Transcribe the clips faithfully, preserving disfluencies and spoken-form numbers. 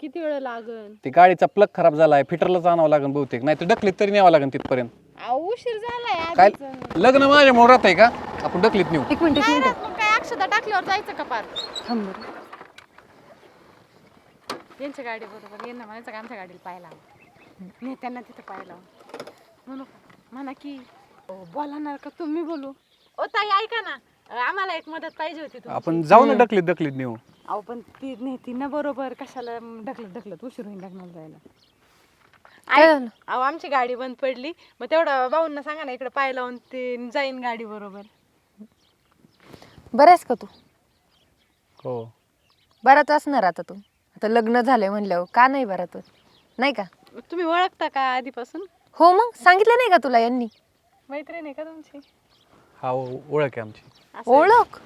किती वेळ लागन? ती गाडीचा प्लग खराब झालाय, फिटरलाच आणावं लागेल बहुतेक, नाही तर ढकलीत तरी न्यावं लागेल तिथपर्यंत. अहो, उशीर झालाय काय आधीच. लग्न माझ्या मोहर राहत आहे का आपण ढकलीत नेऊ? एक मिनिट एक नाही मिनिट राहत, मग काय अक्षदा टाकल्यावर जायचं का पार? थांब बरं. यांच्या गाडी बरोबर यांना म्हणायचं का आमच्या गाडीला पाहायला नेत्यांना तिथं पाहायला म्हणू का? म्हणा की अहो, बोलणार का तुम्ही बोलू? ओ ताई ऐका ना, आम्हाला एक मदत पाहिजे होती तुमची. आपण जाऊ ना ढकलीत ढकलीत नेऊ. अहो पण ती नेती ना बरोबर, कशाला ढकलत ढकलत उशीर होईल लग्नाला जायला. काय ऐक, झालं? अहो आमची गाडी बंद पडली, मग तेवढं भाऊंना सांगा ना इकडे पाय लावून ते जाईन गाडी बरोबर. बरं आहेस का तू? हो बराच असणार आता तू. आता लग्न झालंय म्हणल्यावर का नाही बरा तू? नाही का? तुम्ही ओळखता का आधीपासून? हो मग सांगितलं नाही का तुला यांनी? मैत्रीण आहे का तुमची? हा ओळख आहे आमची. असं आहे. ओळख?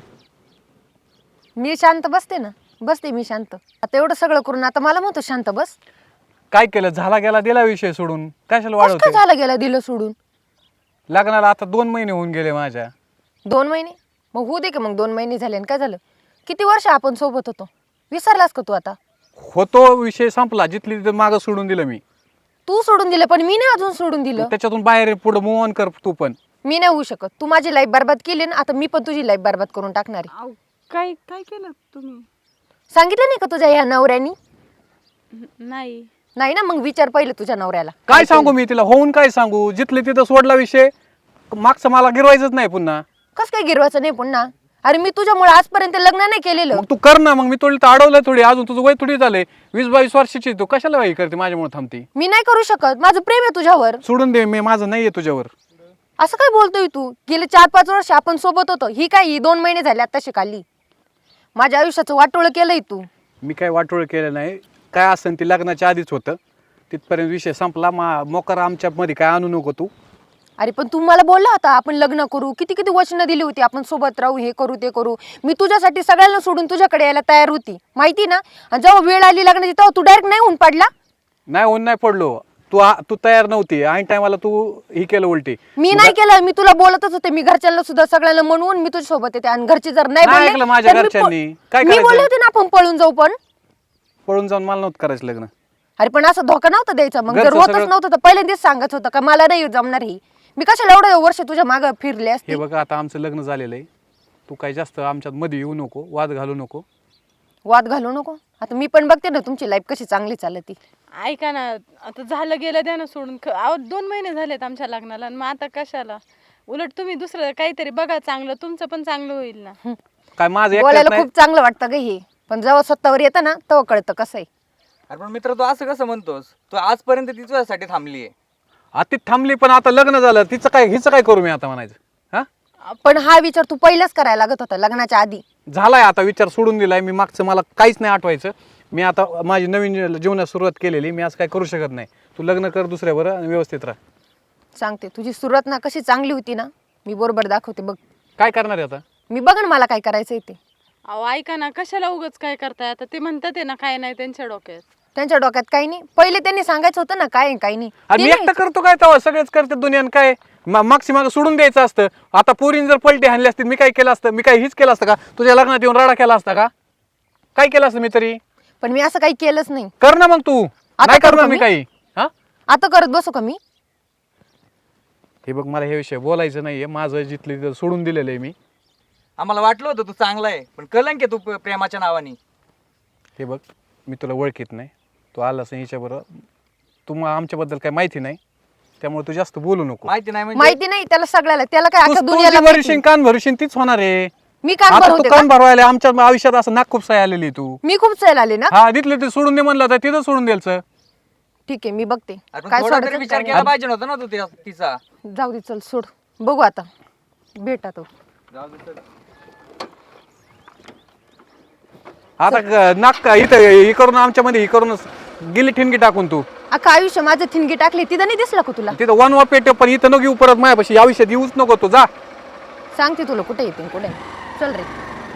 मी शांत बसते ना, बसते मी शांत. आता एवढं सगळं करून आता मला म्हणतो शांत बस. काय केलं, झाला गेला दिला विषय सोडून, कशाला कसं काय वाढवते? झालं गेला दिलं सोडून? लग्नाला आता दोन महिने होऊन गेले माझ्या. दोन महिने? मग होऊ दे की मग दोन महिने झाले आणि काय झालं? किती वर्ष आपण सोबत होतो, विसरलास का तू आता? होतो विषय संपला, जिथली तिथं मागं सोडून दिलं मी. तू सोडून दिलं पण मी नाही अजून सोडून दिलं. त्याच्यातून बाहेर पुढे मूव ऑन कर तू पण. मी नाही होऊ शकत. तू माझी लाईफ बरबाद केली ना, आता मी पण तुझी लाईफ बरबाद करून टाकणार आहे. अहो, काय काय केलं तुम्ही? सांगितलं नाही का तुझ्या ह्या नवऱ्यानी? नाही. नाही ना, मग विचार पहिले तुझ्या नवऱ्याला. काय सांगू मी तिला, होऊन काय सांगू? जिथले तिथं सोडला विषय, मागचं मला गिरवायचंच नाही पुन्हा. कस काय गिरवायचं नाही पुन्हा? अरे मी तुझ्यामुळे आजपर्यंत लग्न नाही केलेलं. मग तू कर ना, मग मी थोडी तर अडवलं थोडी, अजून तुझं वय थोडी झालंय, वीस बावीस वर्षाची, तू कशाला वाई करते माझ्यामुळे थांबती? मी नाही करू शकत, माझं प्रेम आहे तुझ्यावर. सोडून दे, मी माझं नाहीये तुझ्यावर. असं काय बोलतोय तू? गेले चार पाच वर्ष आपण सोबत होतो, ही काय ही दोन महिने झाले आता शिकाली. माझ्या आयुष्याचं वाटोळं केलंय तू. मी काय वाटोळ केलं नाही, काय असेल ते लग्नाच्या आधीच होतं, तिथपर्यंत विषय संपला. मा मोकार आमच्या मध्ये काय आणू नको तू. अरे पण तू मला बोलला होता आपण लग्न करू, किती किती वचनं दिली होती, आपण सोबत राहू, हे करू ते करू. मी तुझ्यासाठी सगळ्यांना सोडून तुझ्याकडे यायला तयार होती, माहिती ना. आणि जेव्हा वेळ आली लग्नाची तेव्हा तू डायरेक्ट नाही होऊन पडला. नाही होऊन नाही पडलो, तू आ- तू तयार नव्हती, ऐन टायमाला तू ही केलं उलटी. मी नाही केलं, मी तुला बोलतच होते. मी घरच्यांना सुद्धा सगळ्यांना म्हणून मी तुझ्या सोबत येते, आणि घरचे जर नाही नाही बोलले ऐकलं माझ्या तर मी घरच्यांनी. प- काय मी करायचं? बोलले होते ना आपण पळून जाऊ, पण पळून जाऊन मला नव्हतं करायचं लग्न. अरे पण असं धोका नव्हता द्यायचा. मग जर घरचं होतच सगळं- नव्हतं तर पहिल्यांदाच सांगत होतं का मला नाही जमणार ही. मी कशाला एवढं वर्ष तुझ्या मागं फिरले असते. हे बघा आता आमचं लग्न झालेलं आहे, तू काय जास्त आमच्यात मध्ये येऊ नको, वाद घालू नको. वाद घालू नको. आता मी पण बघते ना तुमची लाईफ कशी चांगली चालती. ऐका ना, आता झालं गेलं द्या ना सोडून. ख- अहो दोन महिने झालेत आमच्या लग्नाला, आणि मग आता कशाला? उलट तुम्ही दुसरं काहीतरी बघा चांगलं, तुमचं पण चांगलं होईल ना. काय माझं एकट्यात बोलायला नाही. खूप चांगलं वाटतं ग हे, पण जेव्हा स्वतःवर येतं ना तेव्हा कळतं कसं आहे. अरे पण मित्र, तू असं कसं म्हणतोस? तू आजपर्यंत ती तुझ्यासाठी थांबली आहे. आता ती थांबली, पण आता लग्न झालं, तिचं काय, हिचं काय करू मी आता म्हणायचं? हा पण हा विचार तू पहिलाच करायला लागत होता लग्नाच्या आधी. झालाय आता, विचार सोडून दिलाय मी. मागचं मला काहीच नाही आठवायचं. मी आता माझी नवीन जीवनात सुरुवात केलेली, मी असं काय करू शकत नाही. तू लग्न कर दुसऱ्यावर आणि व्यवस्थित राहा. सांगते तुझी सुरुवात ना कशी चांगली होती ना, मी बरोबर दाखवते बघ. काय करणार आहे आता? मी बघ ना मला काय करायचंय ते. अहो ऐका ना, कशाला उगाच काय करताय? आता ते म्हणतात आहे ना, काय नाही त्यांच्या डोक्यात. त्यांच्या डोक्यात काही नाही. पहिले त्यांनी सांगायचं होतं ना काय आहे, काही नाही. आणि मी ते एकटा नाही. करतो काय तेव्हा? सगळेच करते दुनियान. काय मा- मागची मागं सोडून द्यायचं असतं. आता पोरीन जर पलटी हाणली असती, मी काय केलं असतं? मी काय हीच केलं असतं का? तुझ्या लग्नात येऊन राडा केला असता का? काय केलं असतं मी तरी? पण मी असं काही केलंच नाही. कर ना मग तू. नाही करू करणार का मी मी? काही. हा आता करत बसू का मी? हे बघ, मला हे विषय बोलायचं नाहीये. माझं जिथले तिथं सोडून दिलेलं आहे मी. आम्हाला वाटलं होतं तू चांगला आहे, पण कलंक आहे तू प- प्रेमाच्या नावाने. हे बघ, मी तुला ओळखीत नाही, तू आलास हिच्याबरोबर, तुम्हाला आमच्याबद्दल काही माहिती नाही, त्यामुळे तू जास्त बोलू नको. माहिती नाही म्हणजे? माहिती नाही त्याला सगळ्याला, त्याला काय तू- अख्ख्या तू दुनियाला जी माहिती. भरशील, कान भरशील तीच होणार आहे. मी कान आता भरवते तू का? कान भरवायला आमच्या आयुष्यात असं नाक खूप साय आलेली तू. मी खूप चल आले ना. हा, तिथले ते सोडून दे म्हणलं तर तिथं सोडून द्यायचं. ठीक आहे मी बघते अरे पण काय थोडा तरी सोडायचं विचार काय केला पाहिजे नव्हता ना तू त्या- तिचा. नाही. जाऊ दे चल सोड, बघू आता भेटा तो. जाऊ दे चल. आता क- नाक का इथं हे करून आमच्या मध्ये हे करूनच गेली ठिणगी टाकून तू. अख्खा आयुष्य माझं थिणगी टाकली, तिथं नाही दिसलं का तुला? तिथं वन वा पेट, पण इथं नको येऊ परत माझ्यापाशी. या आयुष्यात येऊच नको तू. जा. सांगते तुला कुठे येते कुठे नाही. चल रे.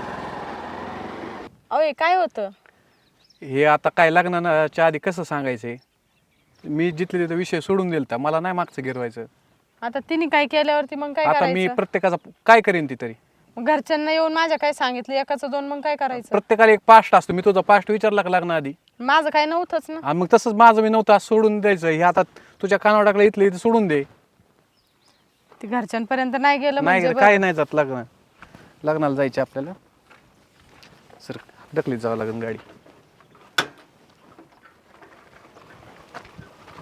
अहो हे काय होतं? हे आता काय लग्नाच्या आधी कसं सांगायचंय? मी जिथले तिथं विषय सोडून दिलता, मला नाही मागचं गिरवायचं. आता तिने काय केल्यावरती मग काय आता मी करायचं? प्रत्येकाचा काय करेन ती तरी. मग घरच्यांना येऊन माझ्या काय सांगितलं एकाचं दोन, मग काय करायचं? प्रत्येकाला एक पास्ट असतो. मी तुझा पास्ट विचारला का लग्नाआधी? माझं काय नव्हतंच ना. आणि मग तसंच माझं मी नव्हतं आज सोडून द्यायचं. हे आता तुझ्या कानावर टाकलं इथलं इथं सोडून दे. ते घरच्यांपर्यंत नाही गेलं नाही म्हणजे काही नाही जात लग्न लग्नाला जायचे आपल्याला सर ढकलीत जावं लागेल गाडी.